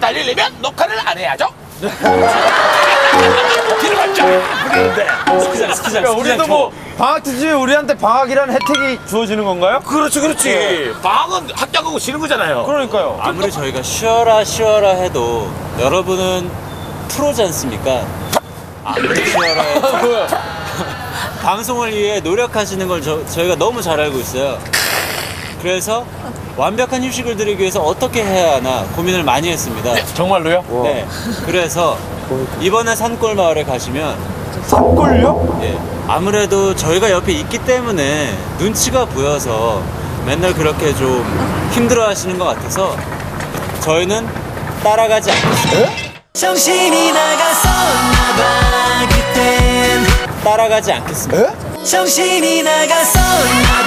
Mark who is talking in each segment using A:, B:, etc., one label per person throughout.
A: 달리려면 녹화를 안 해야죠. 길을 밟자. 그러는데
B: 스키장. 우리도 뭐 방학 투지 우리한테 방학이라는 혜택이 주어지는 건가요?
A: 그렇지. 방학은 학교하고 쉬는 거잖아요.
B: 그러니까요.
C: 아무리 저희가 쉬어라 해도 여러분은 프로지 않습니까? 아무리 쉬어라 해도 방송을 위해 노력하시는 걸 저희가 너무 잘 알고 있어요. 그래서 완벽한 휴식을 드리기 위해서 어떻게 해야 하나 고민을 많이 했습니다.
B: 정말로요?
C: 네. 그래서 이번에 산골 마을에 가시면
B: 산골요?
C: 예, 아무래도 저희가 옆에 있기 때문에 눈치가 보여서 맨날 그렇게 좀 힘들어 하시는 것 같아서 저희는 따라가지 않겠습니다.
D: 정신이 나갔었나봐 그땐
C: 따라가지 않겠습니다.
D: 정신이 나갔었나봐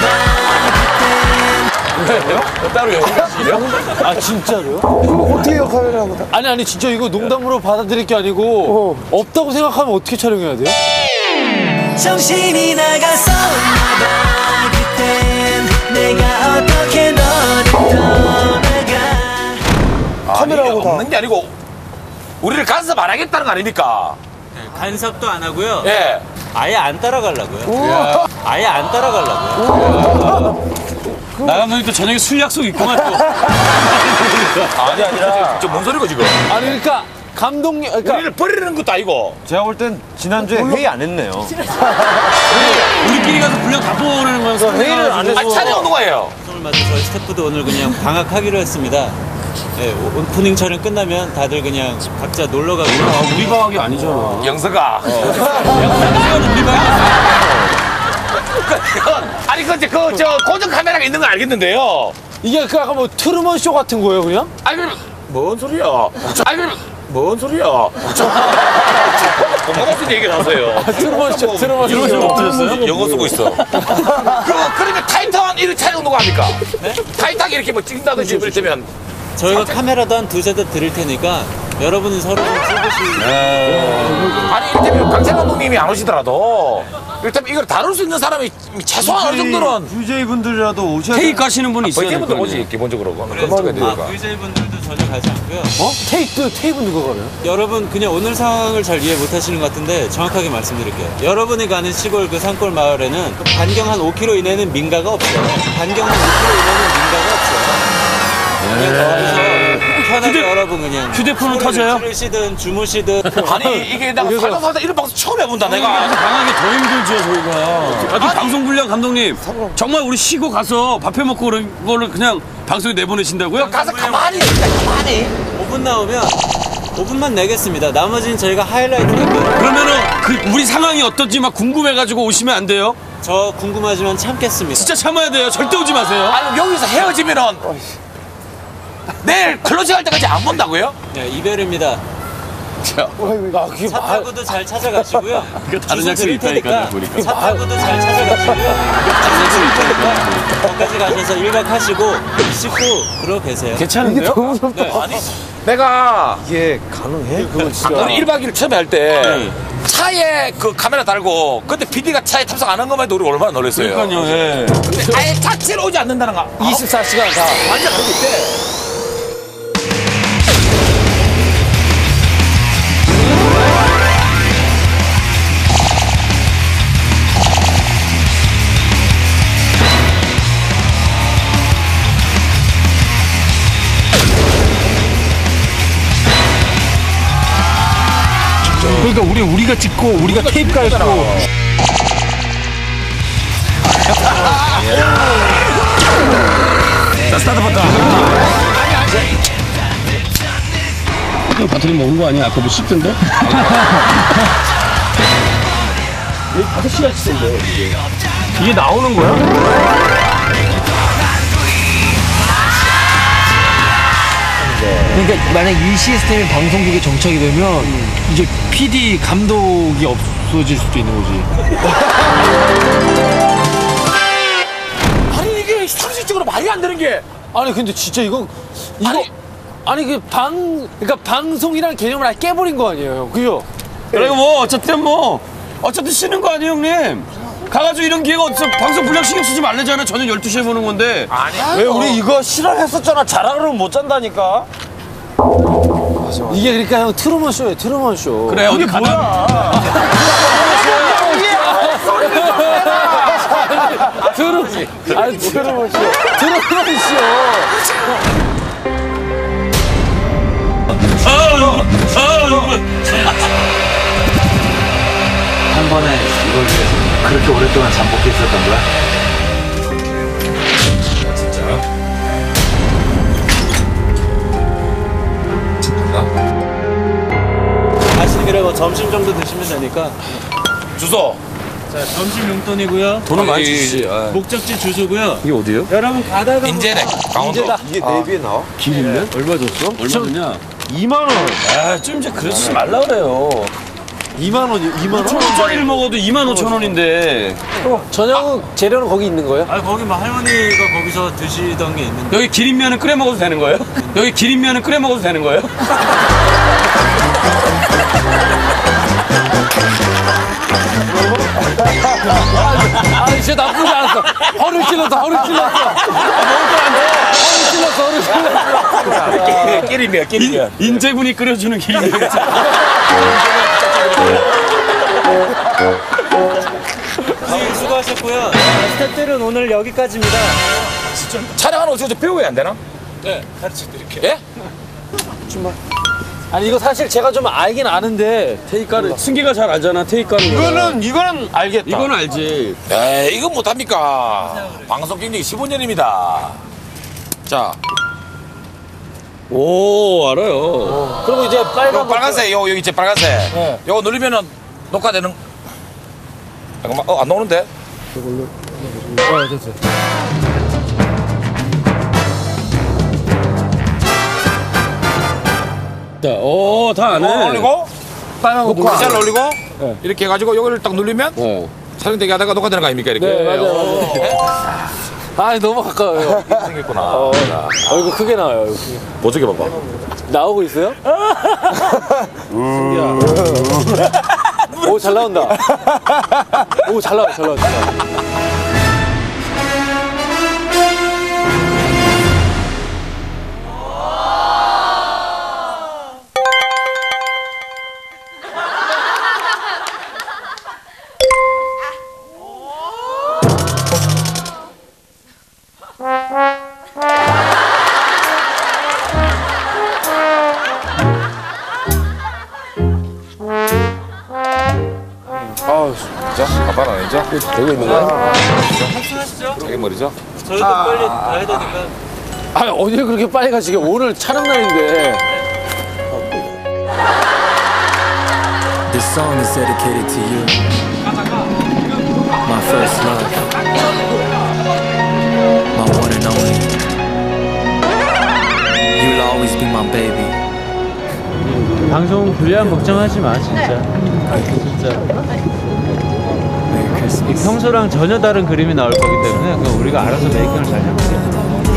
A: 왜요? 따로 연기하시게요?
B: 아 진짜로요?
E: 어떻게 해요, 카메라보다?
B: 아니 진짜 이거 농담으로 받아들일 게 아니고 없다고 생각하면 어떻게 촬영해야 돼요?
D: 정신이 나갔었나봐 그땐 내가 어떻게 너를 떠나가
A: 카메라하고 다 없는 게 아니고 우리를 간섭 안 하겠다는 거 아닙니까?
C: 네, 간섭도 안 하고요.
A: 예.
C: 아예 안 따라가려고요. 아예 안 따라가려고요.
F: 나가면 또 저녁에 술 약속 있구만 또.
A: 아니라 저 뭔 소리고 지금?
B: 아니 그러니까 감독님 그러니까
A: 우리를 버리는 것도 아니고.
B: 제가 볼 땐 지난주에 회의 안 했네요.
F: 우리끼리 가서 분량 다 뽑아오라는 거여서
B: 회의를 안 해서
A: 아니 촬영 오는 거예요.
C: 방송을 맞아 저희 스태프도 오늘 그냥 방학하기로 했습니다. 네, 오프닝 촬영 끝나면 다들 그냥 각자 놀러 가고.
F: 우리 방학이 아니잖아.
A: 영서가.
F: 우리 방학.
A: 아니 저 고정 카메라가 있는 건 알겠는데요.
B: 이게 그 아까 뭐 트루먼 쇼 같은 거예요 그냥?
A: 아니 그럼 뭔 소리야? 아니 그럼 뭔 소리야? 공감없는 얘기 나서요.
B: 트루먼 쇼
F: 없어졌어요?
A: 영어 쓰고 있어. 그러면 타이탄 이렇게 촬영 누가 합니까? 네? 타이탄 이렇게 뭐 찍는다든지 이를테면
C: 저희가 카메라도 한 두세 대 드릴 테니까 여러분은 서로 좀 찍으시고.
A: 아니 이를테면 강찬 감독님이 안 오시더라도 이를테면 이걸 다룰 수 있는 사람이 최소한 어느 정도는
B: VJ분들이라도 오셔야
F: 테이크 가시는 분이 있어야 될
A: VJ분들
F: 거
A: 오지
F: 아니에요.
A: 기본적으로 그건
C: VJ분들도 전혀 가지 않고요.
B: 테이프 누가 가요?
C: 여러분 그냥 오늘 상황을 잘 이해 못하시는 것 같은데 정확하게 말씀드릴게요. 여러분이 가는 시골 그 산골 마을에는 반경 한 5km 이내는 민가가 없어요. 반경 한 5km 이내는 민가가 없어요. 편하게 여러분 그냥
F: 휴대폰은 터져요?
C: 들으시든 주무시든.
A: 아니 이게 내가 살다 이런 방송 처음 해본다 내가.
F: 방학이 더 힘들죠 저희가. 아니, 방송 분량 감독님 정말 우리 쉬고 가서 밥 해 먹고 그런 거를 그냥 방송에 내보내신다고요?
A: 가서 가만히 있다 가만히.
C: 5분 나오면 5분만 내겠습니다. 나머지는 저희가 하이라이트 할 거예요.
F: 그러면은 우리 상황이 어떤지 막 궁금해가지고 오시면 안 돼요?
C: 저 궁금하지만 참겠습니다.
F: 진짜 참아야 돼요. 절대 오지 마세요.
A: 아니 여기서 헤어지면은 내일 클로징 할 때까지 안 본다고요?
C: 네, 이별입니다. 차 타고도 잘 찾아가시고요.
F: 다른
C: 주소
F: 약속이
C: 드릴
F: 있다니까,
C: 테니까
F: 보니까.
C: 차 타고도 잘 찾아가시고요.
F: 다른 약속이 있다니까.
C: 거기까지 가셔서 1박 하시고 씻고 그러고 계세요.
F: 괜찮은데요?
C: 네.
A: 아니 내가
B: 이게 가능해? 그건 진짜.
A: 우리 1박 2일 처음에 할 때 차에 그 카메라 달고 그때 PD가 차에 탑승 안 한 것만 해도 우리 얼마나 놀랐어요.
F: 그러니까요. 예.
A: 근데 아예 자체로 오지 않는다는 거
B: 24시간 다.
A: 완전 그렇기 때
F: 그러니까 우리가 찍고 우리가 테이프 깔고. 자 스타트 버튼. 바터리 먹은 거 아니야? 아까 뭐 씹던데? 5시간 씹던데 이게 나오는 거야?
E: 그러니까 만약 이 시스템이 방송국에 정착이 되면 이제 PD 감독이 없어질 수도 있는 거지.
A: 아니 이게 상식적으로 말이 안 되는 게
B: 아니 근데 진짜 이거 아니 그러니까 방송이라는 개념을 아예 깨버린 거 아니에요, 그죠?
F: 그리고 뭐 어쨌든 쉬는 거 아니에요 형님? 가가지고 이런 기회가 어디서 방송 분량 신경 쓰지 말래잖아. 저녁 12시에 보는 건데.
A: 아니
B: 왜 우리 이거 실험했었잖아. 자라 그러면 못 잔다니까. 이게 그러니까 형 트루먼 쇼예요, 트루먼 쇼.
F: 그래, 어디 가나?
B: 트루먼 쇼. 트루먼 쇼.
C: 한 번에 이걸 위해서 그렇게 오랫동안 잠복해 있었던 거야? 가시는 길에 뭐 점심 정도 드시면 되니까.
A: 주소.
C: 자, 점심 용돈이고요.
F: 돈은 많이 주시지.
C: 목적지 주소고요.
F: 이게 어디요?
C: 여러분 가다가
A: 인제네. 강원도.
B: 이게 내비에 나와?
F: 길인데? 얼마 줬어? 얼마 줬냐?
B: 2만 원.
F: 아, 좀 이제 그러지 말라 그래요.
B: 2만 원이 2만 원.
F: 5,000원짜리를 먹어도 25,000원인데.
B: 저녁은 재료는 거기 있는 거예요?
C: 아 거기 뭐 할머니가 거기서 드시던 게 있는데.
F: 여기 기린면은 끓여 먹어도 되는 거예요? 여기 기린면은 끓여 먹어도 되는 거예요?
B: 아, 진짜 나쁘지 않았어. 허를 찔렀어. 허를 찔렀어.
A: 끼리면.
F: 인제군이 끓여주는 기린면.
C: 선생님 수고하셨고요. 스태프들은 오늘 여기까지입니다.
A: 촬영하는 어떻게 좀 배워야 안 되나?
F: 네,
A: 가르쳐드릴게요. 예?
B: 아니 이거 사실 제가 좀 알긴 아는데
F: 테이크는 승기가 잘 알잖아, 테이크 하는 거.
A: 이거는 알겠다.
F: 이거는 알지.
A: 에이, 이건 못합니까? 방송 경력이 15년입니다. 자,
F: 오, 알아요.
B: 그리고 이제
A: 요 빨간색, 여기 있지, 빨간색. 요거 누르면은 녹화되는. 잠깐만, 안 나오는데?
F: 자, 오, 다 아네.
A: 올리고,
B: 빨간 거
A: 녹화. 잘 올리고, 이렇게 해가지고 요거를 딱 누르면 촬영되게 하다가 녹화되는 거 아닙니까? 이렇게.
B: 네, 맞아요. 아, 너무 가까워요.
A: 이렇게 생겼구나.
B: 이거 크게 나와요. 이거 크게.
A: 보조개 봐봐.
B: 나오고 있어요? 오, 잘 나온다. 오, 잘 나와, 잘 나와.
A: 자, 가봐라, 이제. 되고 있는 거야?
C: 하시죠.
A: 자기 머리죠?
C: 저희도 빨리 가야 되니까.
B: 아, 어딜 그렇게 빨리 가시게. 오늘 촬영 날인데.
G: This song is dedicated to you, my first love, my one and only. You'll always be my baby.
C: 방송 분량 걱정하지 마 진짜. 진짜.
G: Merry Christmas.
C: 평소랑 전혀 다른 그림이 나올 거기 때문에 그건 우리가 알아서 메이킹을 잘 해볼게요.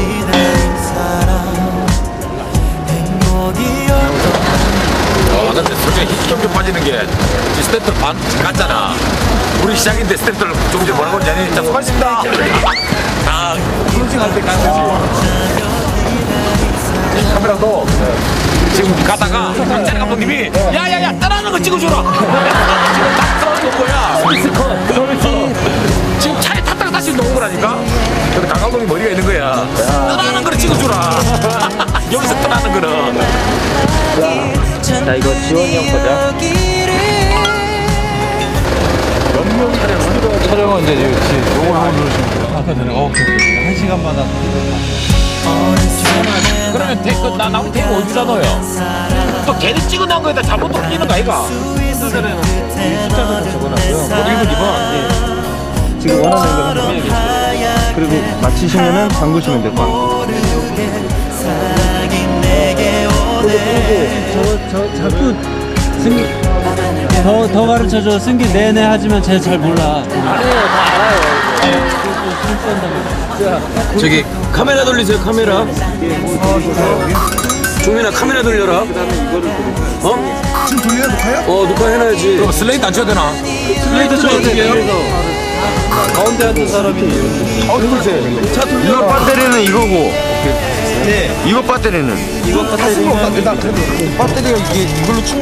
A: 근데 솔직히 힘 좀 빠지는 게 스태프들 반 같잖아. 우리 시작인데 스태프들 조금 전에 뭐라고 그러지? 자, 수고하셨습니다. 아, 클로징할 때 가는 거지. 카메라도 지금 가다가 박찬희 감독님이 야야야 따라하는 거 찍어줘라. 지금 딱 떨어진 거야. 지금 차에 탔다가 다시 놓은 거라니까. 근데 강 감독님 머리가 있는 거야. 따라하는 거를 찍어줘라. 여기서 따라하는 거는.
C: 자 이거 지원이 형 거죠? 촬영은 이제 요걸 한번 누르시면 돼요. 아까 전에 오케이. 1시간마다.
A: 그러면 나머지 테이프 어디다 넣어요? 또 괜히 찍어놓은 거에다 잘못 끼는 거 아이가?
C: 숫자도 적어놨고요. 1번, 2번. 지금 원하는 걸 하면 그리고 마치시면은 잠그시면 될 것 같아요. 저 자꾸 승기 더 가르쳐줘. 승기 네네 하지만 쟤 잘 몰라.
B: 아니에요, 다 알아요.
F: 저기 카메라 돌리세요, 카메라. 종민아, 카메라 돌려라. 어? 지금 돌려야 녹화요? 녹화해놔야지.
A: 그럼 슬레이트 안 쳐도 되나?
F: 슬레이트 좀 어떻게 해요?
C: 가운데 앉은 사람이
F: 차 돌려.
C: 배터리는 이거고.
H: 이거 배터리는?
C: 이거 배터리는
B: 배터리가 이게 이걸로 충